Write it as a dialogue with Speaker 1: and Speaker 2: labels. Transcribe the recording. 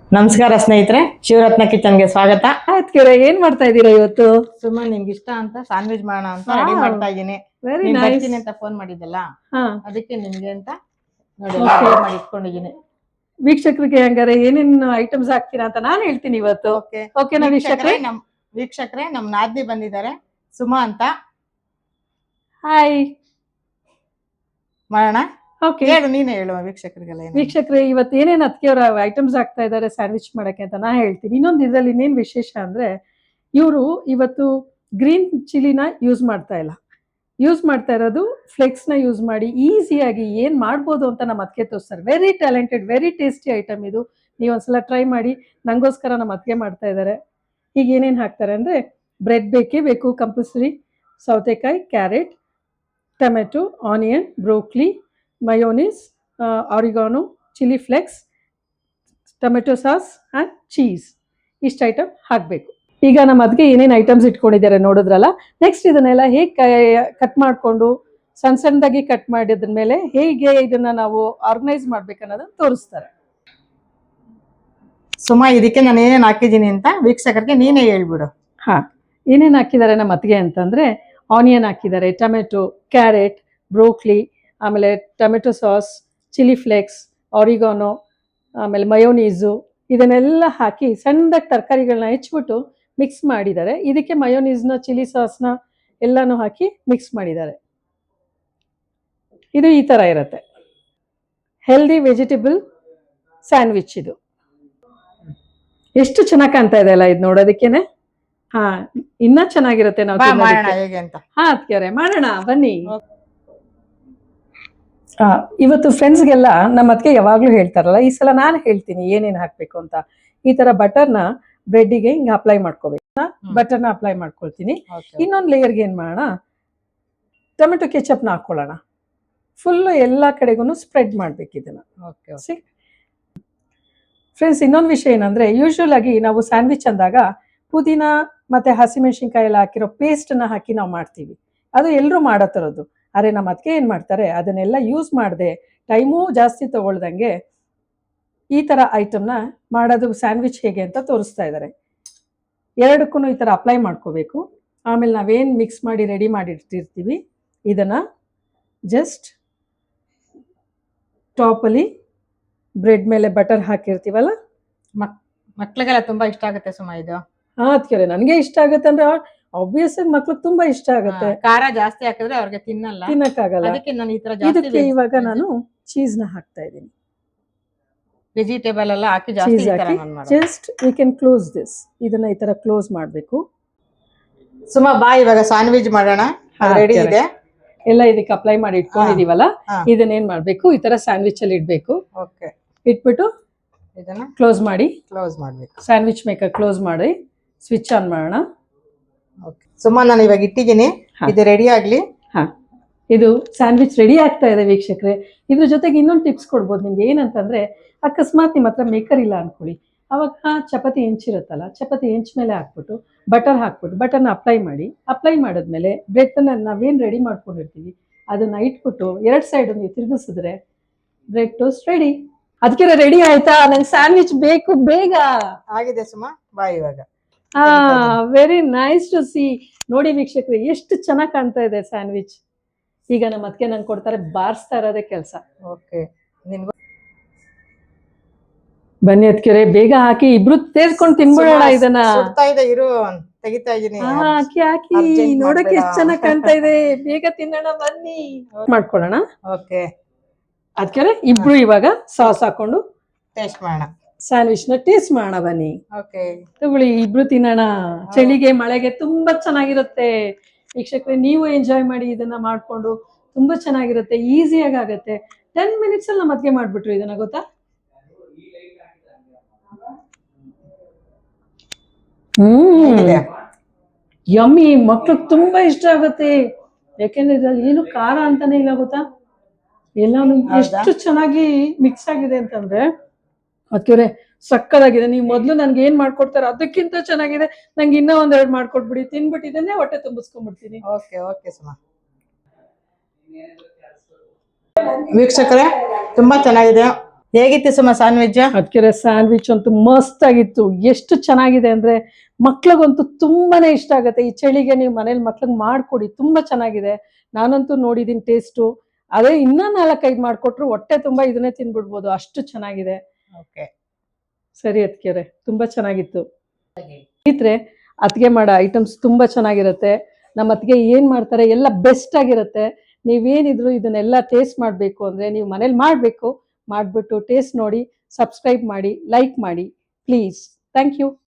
Speaker 1: ನಮಸ್ಕಾರ ಸ್ನೇಹಿತರೆ, ಶಿವರತ್ನ ಕಿಚನ್ಗೆ ಸ್ವಾಗತ.
Speaker 2: ಆಯ್ತು, ಏನ್ ಮಾಡ್ತಾ ಇದ್ದೀರಾ ಇವತ್ತು?
Speaker 1: ಸುಮ್ಮನೆ ನಿಮ್ಗೆ ಇಷ್ಟ ಅಂತ ಸ್ಯಾಂಡ್ವಿಚ್ ಮಾಡೋಣ ಅಂತ ರೆಡಿ ಮಾಡ್ತಾ ಇದ್ದೀನಿ.
Speaker 2: Very nice.
Speaker 1: ಬರ್ತೀನಿ ಅಂತ ಫೋನ್ ಮಾಡಿದ್ದಲ್ಲ, ಅದಕ್ಕೆ ನಿಮ್ಗೆ ಅಂತ ನೋಡಿ ಮಾಡಿ ಇಟ್ಕೊಂಡಿದ್ದೀನಿ.
Speaker 2: ವೀಕ್ಷಕರಿಗೆ ಹಂಗಾರೆ ಏನೇನು ಐಟಮ್ಸ್ ಹಾಕ್ತೀರಾ ಅಂತ ನಾನು ಹೇಳ್ತೀನಿ ಇವತ್ತು. ಓಕೆನಾ ವೀಕ್ಷಕರೇ?
Speaker 1: ವೀಕ್ಷಕರೇ, ನಮ್ ನಾದ್ನಿ ಬಂದಿದ್ದಾರೆ, ಸುಮಾ ಅಂತ.
Speaker 2: ಹಾಯ್.
Speaker 1: ಮಾಡೋಣ.
Speaker 2: ಓಕೆ,
Speaker 1: ಹೇಳು, ನೀನೇ ಹೇಳುವ ವೀಕ್ಷಕರಿಗೆಲ್ಲ.
Speaker 2: ವೀಕ್ಷಕರೇ, ಇವತ್ತು ಏನೇನು ಅದಕ್ಕೆಯವ್ರ ಐಟಮ್ಸ್ ಹಾಕ್ತಾ ಇದ್ದಾರೆ ಸ್ಯಾಂಡ್ವಿಚ್ ಮಾಡಕ್ಕೆ ಅಂತ ನಾ ಹೇಳ್ತೀನಿ. ಇನ್ನೊಂದು ಇದರಲ್ಲಿ ಇನ್ನೇನು ವಿಶೇಷ ಅಂದ್ರೆ, ಇವರು ಇವತ್ತು ಗ್ರೀನ್ ಚಿಲ್ಲಿನ ಯೂಸ್ ಮಾಡ್ತಾ ಇಲ್ಲ, ಯೂಸ್ ಮಾಡ್ತಾ ಇರೋದು ಫ್ಲೆಕ್ಸ್ನ ಯೂಸ್ ಮಾಡಿ ಈಸಿಯಾಗಿ ಏನು ಮಾಡ್ಬೋದು ಅಂತ ನಮ್ಮ ಅದಕ್ಕೆ ತೋರಿಸ್ತಾರೆ. Very talented, very tasty item ಇದು. ನೀವು ಒಂದ್ಸಲ ಟ್ರೈ ಮಾಡಿ. ನಂಗೋಸ್ಕರ ನಮ್ಮ ಅದಕ್ಕೆ ಮಾಡ್ತಾ ಇದ್ದಾರೆ. ಈಗ ಏನೇನು ಹಾಕ್ತಾರೆ ಅಂದರೆ, ಬ್ರೆಡ್ ಬೇಕೇ ಬೇಕು ಕಂಪಲ್ಸರಿ, ಸೌತೆಕಾಯಿ, carrot, tomato, onion, broccoli, mayonnaise, oregano, chilli flakes, tomato sauce and cheese. ಇಷ್ಟು ಐಟಮ್ ಹಾಕಬೇಕು. ಈಗ ನಮ್ಮ ಅದಕ್ಕೆ ಏನೇನು ಐಟಮ್ಸ್ ಇಟ್ಕೊಂಡಿದ್ದಾರೆ ನೋಡಿದ್ರಲ್ಲ. ನೆಕ್ಸ್ಟ್ ಇದನ್ನೆಲ್ಲ ಹೇಗೆ ಕಟ್ ಮಾಡಿಕೊಂಡು ಸಣ್ಣ ಸಣ್ಣದಾಗಿ ಕಟ್ ಮಾಡಿದ್ರ ಮೇಲೆ ಹೇಗೆ ಇದನ್ನ ನಾವು ಆರ್ಗನೈಸ್ ಮಾಡ್ಬೇಕನ್ನೋದನ್ನ ತೋರಿಸ್ತಾರೆ.
Speaker 1: ಸುಮಾ, ಇದಕ್ಕೆ ನಾನು ಏನೇನು ಹಾಕಿದ್ದೀನಿ ಅಂತ ವೀಕ್ಷಕರಿಗೆ ನೀನೇ ಹೇಳ್ಬಿಡು.
Speaker 2: ಏನೇನು ಹಾಕಿದ್ದಾರೆ ನಮ್ಮ ಅತ್ತಿಗೆ ಅಂತಂದರೆ, ಆನಿಯನ್ ಹಾಕಿದ್ದಾರೆ, ಟೊಮೆಟೊ, ಕ್ಯಾರೆಟ್, ಬ್ರೋಕ್ಲಿ, ಆಮೇಲೆ tomato sauce, chilli flakes, oregano, ಆಮೇಲೆ ಮಯೋನೀಸು, ಇದನ್ನೆಲ್ಲ ಹಾಕಿ ಸಣ್ಣದಾಗಿ ತರಕಾರಿಗಳನ್ನ ಹೆಚ್ಚಿಬಿಟ್ಟು ಮಿಕ್ಸ್ ಮಾಡಿದ್ದಾರೆ. ಇದಕ್ಕೆ ಮಯೋನೀಸ್ನ, ಚಿಲ್ಲಿ ಸಾಸ್ನ ಎಲ್ಲನೂ ಹಾಕಿ ಮಿಕ್ಸ್ ಮಾಡಿದ್ದಾರೆ. ಇದು ಈ ಥರ ಇರುತ್ತೆ. ಹೆಲ್ದಿ ವೆಜಿಟೇಬಲ್ ಸ್ಯಾಂಡ್ವಿಚ್ ಇದು. ಎಷ್ಟು ಚೆನ್ನಾಗಿ ಕಾಣ್ತಾ ಇದೆ ಅಲ್ಲ ಇದು ನೋಡೋದಕ್ಕೇನೆ. ಇನ್ನ ಚೆನ್ನಾಗಿರುತ್ತೆ ನಾವು
Speaker 1: ಹೇಗೆ ಅಂತ.
Speaker 2: ಅದಕ್ಕೆ ಮಾಡೋಣ ಬನ್ನಿ. ಇವತ್ತು ಫ್ರೆಂಡ್ಸ್ಗೆಲ್ಲ ನಮ್ಮ ಅದಕ್ಕೆ ಯಾವಾಗಲೂ ಹೇಳ್ತಾರಲ್ಲ, ಈ ಸಲ ನಾನು ಹೇಳ್ತೀನಿ ಏನೇನು ಹಾಕಬೇಕು ಅಂತ. ಈ ಥರ ಬಟರ್ನ ಬ್ರೆಡ್ಡಿಗೆ ಹಿಂಗೆ ಅಪ್ಲೈ ಮಾಡ್ಕೋಬೇಕು. ಬಟರ್ನ ಅಪ್ಲೈ ಮಾಡ್ಕೊಳ್ತೀನಿ. ಇನ್ನೊಂದು ಲೇಯರ್ಗೆ ಏನು ಮಾಡೋಣ, ಟೊಮೆಟೊ ಕೆಚಪ್ನ ಹಾಕ್ಕೊಳ್ಳೋಣ. ಫುಲ್ಲು ಎಲ್ಲ ಕಡೆಗೂ ಸ್ಪ್ರೆಡ್ ಮಾಡ್ಬೇಕು ಇದನ್ನು. ಫ್ರೆಂಡ್ಸ್, ಇನ್ನೊಂದು ವಿಷಯ ಏನಂದರೆ, ಯೂಶ್ವಲ್ ಆಗಿ ನಾವು ಸ್ಯಾಂಡ್ವಿಚ್ ಅಂದಾಗ ಪುದೀನ ಮತ್ತು ಹಸಿಮೆಣಸಿನ್ಕಾಯಿ ಎಲ್ಲ ಹಾಕಿರೋ ಪೇಸ್ಟನ್ನು ಹಾಕಿ ನಾವು ಮಾಡ್ತೀವಿ. ಅದು ಎಲ್ಲರೂ ಮಾಡೋ ಥರದ್ದು. ಆದರೆ ನಮ್ಮ ಅದಕ್ಕೆ ಏನು ಮಾಡ್ತಾರೆ, ಅದನ್ನೆಲ್ಲ ಯೂಸ್ ಮಾಡದೆ ಟೈಮೂ ಜಾಸ್ತಿ ತೊಗೊಳ್ದಂಗೆ ಈ ಥರ ಐಟಮ್ನ ಮಾಡೋದು ಸ್ಯಾಂಡ್ವಿಚ್ ಹೇಗೆ ಅಂತ ತೋರಿಸ್ತಾ ಇದ್ದಾರೆ. ಎರಡಕ್ಕೂ ಈ ಥರ ಅಪ್ಲೈ ಮಾಡ್ಕೋಬೇಕು. ಆಮೇಲೆ ನಾವೇನು ಮಿಕ್ಸ್ ಮಾಡಿ ರೆಡಿ ಮಾಡಿರ್ತಿರ್ತೀವಿ ಇದನ್ನು ಜಸ್ಟ್ ಟಾಪಲ್ಲಿ ಬ್ರೆಡ್ ಮೇಲೆ ಬಟರ್ ಹಾಕಿರ್ತೀವಲ್ಲ,
Speaker 1: ಮಕ್ಳಿಗೆಲ್ಲ ತುಂಬ ಇಷ್ಟ ಆಗುತ್ತೆ ಸುಮಾ ಇದು.
Speaker 2: ಅದಕ್ಕೆ ನನಗೆ ಇಷ್ಟ ಆಗುತ್ತೆ ಅಂದರೆ ಆಬ್ವಿಯಸ್ ಆಗಿ ಮಕ್ಳಿಗೆ ತುಂಬಾ ಇಷ್ಟ ಆಗುತ್ತೆ.
Speaker 1: ಖಾರ ಜಾಸ್ತಿ ಹಾಕಿದ್ರೆ ಅವ್ರಿಗೆ ತಿನ್ನಕ್ಕಾಗಲ್ಲ. ಅದಕ್ಕೆ ನಾನು ಈ ತರ
Speaker 2: ಇದಕ್ಕೆ ಇವಾಗ ನಾನು ಚೀಸ್ ನ ಹಾಕ್ತಾ ಇದ್ದೀನಿ.
Speaker 1: ವೆಜಿಟೇಬಲ್ ಎಲ್ಲ ಹಾಕಿ ಜಾಸ್ತಿ ಹಾಕಿ
Speaker 2: just we can close this. ಇದನ್ನ ಈ ತರ ಕ್ಲೋಸ್ ಮಾಡಬೇಕು.
Speaker 1: ಸುಮಾ ಬಾ, ಇವಾಗ ಸ್ಯಾಂಡ್ವಿಚ್ ಮಾಡೋಣ. ರೆಡಿ ಇದೆ
Speaker 2: ಎಲ್ಲ. ಇದಕ್ಕೆ ಅಪ್ಲೈ ಮಾಡಿ ಇಟ್ಕೊಂಡಿದೀವಲ್ಲ, ಇದನ್ನ ಏನ್ ಮಾಡ್ಬೇಕು, ಈ ತರ ಸ್ಯಾಂಡ್ವಿಚ್ ಅಲ್ಲಿ ಇಡ್ಬೇಕು. ಇಟ್ಬಿಟ್ಟು ಇದನ್ನ ಕ್ಲೋಸ್ ಮಾಡ್ಬೇಕು. ಸ್ಯಾಂಡ್ವಿಚ್ ಮೇಕರ್ ಕ್ಲೋಸ್ ಮಾಡಿ ಸ್ವಿಚ್ ಆನ್ ಮಾಡೋಣ.
Speaker 1: ಸುಮ್ಮನೆ ನಾನು ಇವಾಗ ಇಟ್ಟಿದ್ದೀನಿ, ಇದು ರೆಡಿ ಆಗ್ಲಿ.
Speaker 2: ಇದು ಸ್ಯಾಂಡ್ವಿಚ್ ರೆಡಿ ಆಗ್ತಾ ಇದೆ ವೀಕ್ಷಕರೇ. ಇದ್ರ ಜೊತೆಗೆ ಇನ್ನೊಂದು ಟಿಪ್ಸ್ ಕೊಡ್ಬೋದು ನಿಮ್ಗೆ. ಏನಂತಂದ್ರೆ, ಅಕಸ್ಮಾತ್ ನಿಮ್ಮ ಹತ್ರ ಮೇಕರ್ ಇಲ್ಲ ಅನ್ಕೊಳ್ಳಿ, ಅವಾಗ ಚಪಾತಿ ಹೆಂಚಿರುತ್ತಲ್ಲ, ಚಪಾತಿ ಹೆಂಚ್ ಮೇಲೆ ಹಾಕ್ಬಿಟ್ಟು ಬಟರ್ ಹಾಕ್ಬಿಟ್ಟು ಬಟರ್ನ ಅಪ್ಲೈ ಮಾಡಿದ್ಮೇಲೆ ಬ್ರೆಡ್ನ ನಾವೇನು ರೆಡಿ ಮಾಡ್ಕೊಂಡಿರ್ತೀವಿ ಅದನ್ನ ಇಟ್ಬಿಟ್ಟು ಎರಡು ಸೈಡ್ ನೀವು ತಿರುಗಿಸಿದ್ರೆ ಬ್ರೆಡ್ ಟೋಸ್ಟ್ ರೆಡಿ. ಅದಕ್ಕೆ ರೆಡಿ ಆಯ್ತಾ? ನಂಗೆ ಸ್ಯಾಂಡ್ವಿಚ್ ಬೇಕು, ಬೇಗ
Speaker 1: ಆಗಿದೆ ಸುಮಾ. ಬಾ ಇವಾಗ.
Speaker 2: Very nice to see. ನೋಡಿ ವೀಕ್ಷಕರು, ಎಷ್ಟು ಚೆನ್ನಾಗಿ ಕಾಣ್ತಾ ಇದೆ ಸ್ಯಾಂಡ್ವಿಚ್. ಈಗ ನಮ್ಮ ಅದಕ್ಕೆ ನಂಗೆ ಕೊಡ್ತಾರೆ, ಬಾರಿಸ್ತಾ ಇರೋದೇ ಕೆಲಸ. ಬನ್ನಿ ಅದಕ್ಕೆ ಬೇಗ ಹಾಕಿ ಇಬ್ರು ತೇರ್ಕೊಂಡು ತಿನ್ಬಿಡೋಣ ಇದನ್ನ. ಹಾಕಿ ನೋಡಕ್ಕೆ ಎಷ್ಟು ಚೆನ್ನಾಗಿ ಕಾಣ್ತಾ ಇದೆ. ಬೇಗ ತಿನ್ನೋಣ ಬನ್ನಿ. ಮಾಡ್ಕೊಳ್ಳೋಣ. ಅದಕ್ಕೆ ಇಬ್ರು ಇವಾಗ ಸಾಸ್ ಹಾಕೊಂಡು
Speaker 1: ಟೇಸ್ಟ್ ಮಾಡೋಣ.
Speaker 2: ಸ್ಯಾಂಡ್ವಿಚ್ ನ ಟೇಸ್ಟ್ ಮಾಡೋಣ ಬನ್ನಿ. ತಗೊಳ್ಳಿ, ಇಬ್ರು ತಿನ್ನೋಣ. ಚಳಿಗೆ ಮಳೆಗೆ ತುಂಬಾ ಚೆನ್ನಾಗಿರುತ್ತೆ ವೀಕ್ಷಕರೇ. ನೀವು ಎಂಜಾಯ್ ಮಾಡಿ ಇದನ್ನ ಮಾಡ್ಕೊಂಡು. ತುಂಬಾ ಚೆನ್ನಾಗಿರುತ್ತೆ, ಈಸಿಯಾಗಿ ಆಗುತ್ತೆ. 10 minutes ಅಲ್ಲಿ ನಮ್ಮ ಅದ್ಗೆ ಮಾಡ್ಬಿಟ್ರು ಇದನ್ನ, ಗೊತ್ತಾ? ಯಮ್ಮಿ. ಮಕ್ಳಿಗೆ ತುಂಬಾ ಇಷ್ಟ ಆಗುತ್ತೆ. ಯಾಕೆಂದ್ರೆ ಇದ್ರಲ್ಲಿ ಏನು ಖಾರ ಅಂತಾನೆ ಇಲ್ಲ, ಗೊತ್ತಾ? ಎಲ್ಲಾನು ಎಷ್ಟು ಚೆನ್ನಾಗಿ ಮಿಕ್ಸ್ ಆಗಿದೆ ಅಂತಂದ್ರೆ ಅದಕ್ಕೆ ಸಕ್ಕದಾಗಿದೆ. ನೀವು ಮೊದ್ಲು ನನ್ಗೆ ಏನ್ ಮಾಡ್ಕೊಡ್ತಾರೆ ಅದಕ್ಕಿಂತ ಚೆನ್ನಾಗಿದೆ. ನಂಗೆ ಇನ್ನೂ ಒಂದೆರಡು ಮಾಡ್ಕೊಟ್ಬಿಡಿ, ತಿನ್ಬಿಟ್ಟು ಇದನ್ನೇ ಹೊಟ್ಟೆ ತುಂಬಿಸ್ಕೊಂಡ್ಬಿಡ್ತೀನಿ.
Speaker 1: ಸುಮಾ. ವೀಕ್ಷಕರೇ, ತುಂಬಾ ಚೆನ್ನಾಗಿದೆ. ಹೇಗಿತ್ತು ಸುಮ ಸ್ಯಾಂಡ್ವಿಚ್?
Speaker 2: ಅದಕ್ಕೆ ಸ್ಯಾಂಡ್ವಿಚ್ ಅಂತೂ ಮಸ್ತ್ ಆಗಿತ್ತು. ಎಷ್ಟು ಚೆನ್ನಾಗಿದೆ ಅಂದ್ರೆ ಮಕ್ಳಿಗಂತೂ ತುಂಬಾನೇ ಇಷ್ಟ ಆಗುತ್ತೆ. ಈ ಚಳಿಗೆ ನೀವು ಮನೇಲಿ ಮಕ್ಳಿಗೆ ಮಾಡ್ಕೊಡಿ, ತುಂಬಾ ಚೆನ್ನಾಗಿದೆ. ನಾನಂತೂ ನೋಡಿದೀನಿ ಟೇಸ್ಟು. ಅದೇ ಇನ್ನ 4-5 ಮಾಡ್ಕೊಟ್ರು ಹೊಟ್ಟೆ ತುಂಬಾ ಇದನ್ನೇ ತಿನ್ಬಿಡ್ಬೋದು, ಅಷ್ಟು ಚೆನ್ನಾಗಿದೆ.
Speaker 1: ಓಕೆ,
Speaker 2: ಸರಿ ಅದಕ್ಕೆ ತುಂಬಾ ಚೆನ್ನಾಗಿತ್ತು. ಸ್ನೇಹಿತರೆ, ಅತ್ತಿಗೆ ಮಾಡೋ ಐಟಮ್ಸ್ ತುಂಬಾ ಚೆನ್ನಾಗಿರುತ್ತೆ. ನಮ್ಮ ಅತ್ತಿಗೆ ಏನ್ ಮಾಡ್ತಾರೆ ಎಲ್ಲ ಬೆಸ್ಟ್ ಆಗಿರುತ್ತೆ. ನೀವೇನಿದ್ರು ಇದನ್ನೆಲ್ಲ ಟೇಸ್ಟ್ ಮಾಡಬೇಕು ಅಂದ್ರೆ ನೀವು ಮನೇಲಿ ಮಾಡಬೇಕು. ಮಾಡಿಬಿಟ್ಟು ಟೇಸ್ಟ್ ನೋಡಿ, ಸಬ್ಸ್ಕ್ರೈಬ್ ಮಾಡಿ, ಲೈಕ್ ಮಾಡಿ ಪ್ಲೀಸ್. Thank you.